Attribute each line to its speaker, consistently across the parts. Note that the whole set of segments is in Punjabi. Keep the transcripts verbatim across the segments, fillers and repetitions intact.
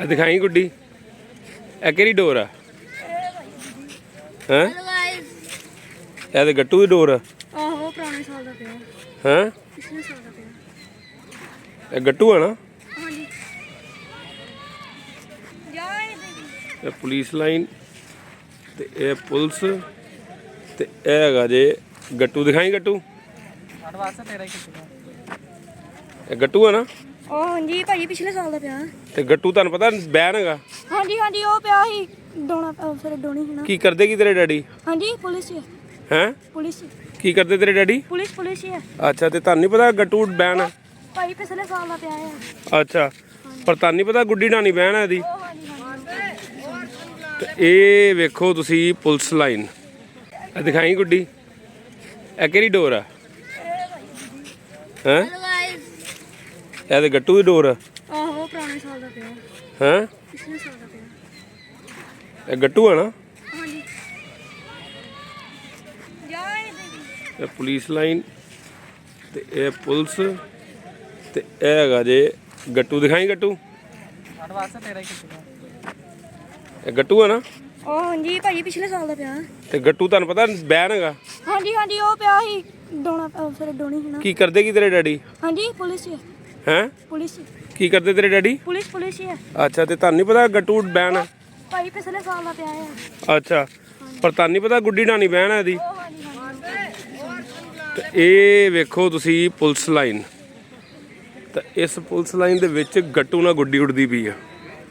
Speaker 1: ਦਿਖਾਈ ਗੁੱਡੀ ਇਹ ਕਿਹੜੀ ਡੋਰ ਆ ਹੈ ਇਹ ਤੇ ਗੱਟੂ ਦੀ ਡੋਰ ਆ
Speaker 2: ਆਹੋ ਪੁਰਾਣੇ ਸਾਲ ਦਾ ਪਿਆ
Speaker 1: ਹੈ
Speaker 2: ਪਿਛਲੇ ਸਾਲ ਦਾ ਪਿਆ
Speaker 1: ਇਹ ਗੱਟੂ ਆ ਨਾ
Speaker 2: ਹਾਂਜੀ ਜਾਏ
Speaker 1: ਇਹ ਪੁਲਿਸ ਲਾਈਨ ਤੇ ਇਹ ਪੁਲਿਸ ਤੇ ਇਹ ਹੈਗਾ ਜੇ ਗੱਟੂ ਦਿਖਾਈ ਗੱਟੂ ਇਹ ਗੱਟੂ ਆ ਨਾ
Speaker 2: ਉਹ ਹਾਂਜੀ ਭਾਜੀ ਪਿਛਲੇ ਸਾਲ ਦਾ ਪਿਆ
Speaker 1: ਤੇ ਗੱਟੂ ਤੁਹਾਨੂੰ ਪਤਾ ਬੈਨ ਹੈਗਾ
Speaker 2: ਹਾਂਜੀ ਹਾਂਜੀ ਉਹ ਪਿਆ ਸੀ ਡੋਣਾ ਅਹ ਫਿਰ ਡੋਣੀ ਸੀ ਨਾ
Speaker 1: ਕੀ ਕਰਦੇ ਕੀ ਤੇਰੇ ਡੈਡੀ
Speaker 2: ਹਾਂਜੀ ਪੁਲਿਸ ਹੀ ਹੈ
Speaker 1: ਹੈ
Speaker 2: ਪੁਲਿਸ ਹੀ
Speaker 1: ਕੀ ਕਰਦੇ ਤੇਰੇ ਡੈਡੀ
Speaker 2: ਪੁਲਿਸ ਪੁਲਿਸ ਹੀ ਹੈ
Speaker 1: ਅੱਛਾ ਤੇ ਤੁਹਾਨੂੰ ਨਹੀਂ ਪਤਾ ਗੱਟੂ ਬੈਨ ਹੈ
Speaker 2: ਭਾਈ ਪਿਛਲੇ ਸਾਲ ਦਾ ਪਿਆ ਹੈ
Speaker 1: ਅੱਛਾ ਪਰ ਤੁਹਾਨੂੰ ਨਹੀਂ ਪਤਾ ਗੁੱਡੀ ਢਾਣੀ ਬੈਨ ਹੈ ਇਹਦੀ
Speaker 2: ਉਹ ਹਾਂਜੀ ਹਾਂਜੀ
Speaker 1: ਤੇ ਇਹ ਵੇਖੋ ਤੁਸੀਂ ਪੁਲਿਸ ਲਾਈਨ ਇਹ ਦਿਖਾਈ ਗੁੱਡੀ ਇਹ ਕਿਹੜੀ ਡੋਰ ਆ ਹੈ ਇਹ ਤੇ ਗੱਟੂ ਦੀ ਡੋਰ ਆ
Speaker 2: ਆਹੋ ਪੁਰਾਣੇ ਸਾਲ ਦਾ ਪਿਆ
Speaker 1: ਹੈ
Speaker 2: ਪਿਛਲੇ ਸਾਲ ਦਾ ਪਿਆ
Speaker 1: ਇਹ ਗੱਟੂ ਆ ਨਾ
Speaker 2: ਹਾਂਜੀ ਜਾਏ
Speaker 1: ਇਹ ਪੁਲਿਸ ਲਾਈਨ ਤੇ ਇਹ ਪੁਲਿਸ ਤੇ ਇਹ ਹੈਗਾ ਜੇ ਗੱਟੂ ਦਿਖਾਈ ਗੱਟੂ ਇਹ ਗੱਟੂ ਆ ਨਾ
Speaker 2: ਉਹ ਹਾਂਜੀ ਭਾਜੀ ਪਿਛਲੇ ਸਾਲ ਦਾ ਪਿਆ
Speaker 1: ਤੇ ਗੱਟੂ ਤੁਹਾਨੂੰ ਪਤਾ ਬੈਨ ਹੈਗਾ
Speaker 2: ਹਾਂਜੀ ਹਾਂਜੀ ਉਹ ਪਿਆ ਸੀ ਡੋਣਾ ਅਹ ਫਿਰ ਡੋਣੀ ਸੀ ਨਾ
Speaker 1: ਕੀ ਕਰਦੇ ਕੀ ਤੇਰੇ ਡੈਡੀ
Speaker 2: ਹਾਂਜੀ ਪੁਲਿਸ ਹੀ ਹੈ
Speaker 1: ਹੈ
Speaker 2: ਪੁਲਿਸ ਹੀ
Speaker 1: ਕੀ ਕਰਦੇ ਤੇਰੇ ਡੈਡੀ
Speaker 2: ਪੁਲਿਸ ਪੁਲਿਸ ਹੀ ਹੈ
Speaker 1: ਅੱਛਾ ਤੇ ਤੁਹਾਨੂੰ ਨਹੀਂ ਪਤਾ ਗੱਟੂ ਬੈਨ ਹੈ
Speaker 2: ਭਾਈ ਪਿਛਲੇ ਸਾਲ ਦਾ ਪਿਆ ਹੈ
Speaker 1: ਅੱਛਾ ਪਰ ਤੁਹਾਨੂੰ ਨਹੀਂ ਪਤਾ ਗੁੱਡੀ ਢਾਣੀ ਬੈਨ ਹੈ ਇਹਦੀ
Speaker 2: ਉਹ ਹਾਂਜੀ ਹਾਂਜੀ
Speaker 1: ਤੇ ਇਹ ਵੇਖੋ ਤੁਸੀਂ ਪੁਲਿਸ ਲਾਈਨ ਤਾਂ ਇਸ ਪੁਲਿਸ ਲਾਈਨ ਦੇ ਵਿੱਚ ਗੱਟੂ ਨਾਲ ਗੁੱਡੀ ਉੱਡਦੀ ਪਈ ਆ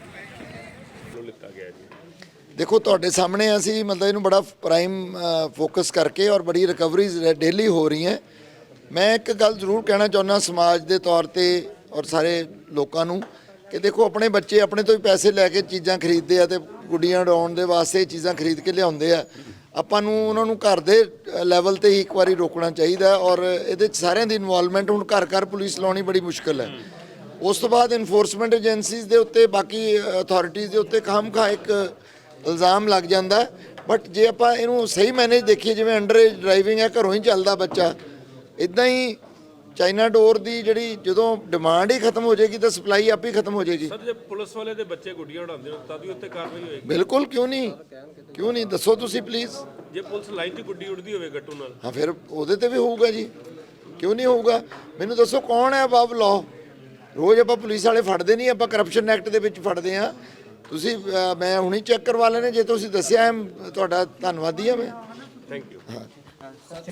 Speaker 3: ਦੇਖੋ ਤੁਹਾਡੇ ਸਾਹਮਣੇ ਅਸੀਂ ਮਤਲਬ ਇਹਨੂੰ ਬੜਾ ਪ੍ਰਾਈਮ ਫੋਕਸ ਕਰਕੇ ਔਰ ਬੜੀ ਰਿਕਵਰੀਜ਼ ਡੇਲੀ ਹੋ ਰਹੀਆਂ। ਮੈਂ ਇੱਕ ਗੱਲ ਜ਼ਰੂਰ ਕਹਿਣਾ ਚਾਹੁੰਦਾ ਸਮਾਜ ਦੇ ਤੌਰ ਤੇ ਔਰ ਸਾਰੇ ਲੋਕਾਂ ਨੂੰ ਕਿ ਦੇਖੋ ਆਪਣੇ ਬੱਚੇ ਆਪਣੇ ਤੋਂ ਹੀ ਪੈਸੇ ਲੈ ਕੇ ਚੀਜ਼ਾਂ ਖਰੀਦਦੇ ਆ ਤੇ ਗੁੱਡੀਆਂ ਉਡਾਉਣ ਦੇ ਵਾਸਤੇ ਚੀਜ਼ਾਂ ਖਰੀਦ ਕੇ ਲਿਆਉਂਦੇ ਆ। ਆਪਾਂ ਨੂੰ ਉਹਨਾਂ ਨੂੰ ਘਰ ਦੇ ਲੈਵਲ ਤੇ ਹੀ ਇੱਕ ਵਾਰੀ ਰੋਕਣਾ ਚਾਹੀਦਾ ਔਰ ਇਹਦੇ 'ਚ ਸਾਰਿਆਂ ਦੀ ਇਨਵੋਲਵਮੈਂਟ ਹੁਣ ਘਰ ਘਰ ਪੁਲਿਸ ਲਾਉਣੀ ਬੜੀ ਮੁਸ਼ਕਿਲ ਹੈ। ਉਸ ਤੋਂ ਬਾਅਦ ਇਨਫੋਰਸਮੈਂਟ ਏਜੰਸੀਜ਼ ਦੇ ਉੱਤੇ ਬਾਕੀ ਅਥਾਰਟੀਜ਼ ਦੇ ਉੱਤੇ ਖਾਮਖਾ ਇੱਕ ਇਲਜ਼ਾਮ ਲੱਗ ਜਾਂਦਾ। ਬਟ ਜੇ ਆਪਾਂ ਇਹਨੂੰ ਸਹੀ ਮੈਨੇਜ ਦੇਖੀਏ ਜਿਵੇਂ ਅੰਡਰ ਏਜ ਡਰਾਈਵਿੰਗ ਹੈ ਘਰੋਂ ਹੀ ਚੱਲਦਾ ਬੱਚਾ ਇੱਦਾਂ ਹੀ ਚਾਈਨਾ ਡੋਰ ਦੀ ਜਿਹੜੀ ਜਦੋਂ ਡਿਮਾਂਡ ਹੀ ਖਤਮ ਹੋ ਜਾਏਗੀ ਤਾਂ ਸਪਲਾਈ ਆਪ ਹੀ ਖਤਮ ਹੋ ਜਾਏਗੀ।
Speaker 1: ਸਰ ਜੇ ਪੁਲਿਸ ਵਾਲੇ ਦੇ ਬੱਚੇ ਗੁੱਡੀਆਂ ਉਡਾਉਂਦੇ ਹੋ ਤਾਂ ਵੀ ਉੱਤੇ ਕਾਰਵਾਈ ਹੋਏਗੀ।
Speaker 3: ਬਿਲਕੁਲ ਕਿਉਂ ਨਹੀਂ ਕਿਉਂ ਨਹੀਂ ਦੱਸੋ ਤੁਸੀਂ ਪਲੀਜ਼।
Speaker 1: ਜੇ ਪੁਲਿਸ ਲਾਈਨ 'ਚ ਗੁੱਡੀ ਉਡਦੀ ਹੋਵੇ ਗੱਟੂ ਨਾਲ
Speaker 3: ਹਾਂ ਫਿਰ ਉਹਦੇ ਤੇ ਵੀ ਹੋਊਗਾ ਜੀ ਕਿਉਂ ਨਹੀਂ ਹੋਊਗਾ। ਮੈਨੂੰ ਦੱਸੋ ਕੌਣ ਹੈ ਅਬਵ ਲਾਅ। ਰੋਜ਼ ਆਪਾਂ ਪੁਲਿਸ ਵਾਲੇ ਫੜਦੇ ਨਹੀਂ ਆਪਾਂ ਕਰਪਸ਼ਨ ਐਕਟ ਦੇ ਵਿੱਚ ਫੜਦੇ ਹਾਂ। ਤੁਸੀਂ ਮੈਂ ਹੁਣੀ ਚੈੱਕ ਕਰਵਾ ਲੈਣੇ ਜੇ ਤੁਸੀਂ ਦੱਸਿਆ ਤੁਹਾਡਾ ਧੰਨਵਾਦੀ ਹਾਂ ਮੈਂ।
Speaker 1: Thank you.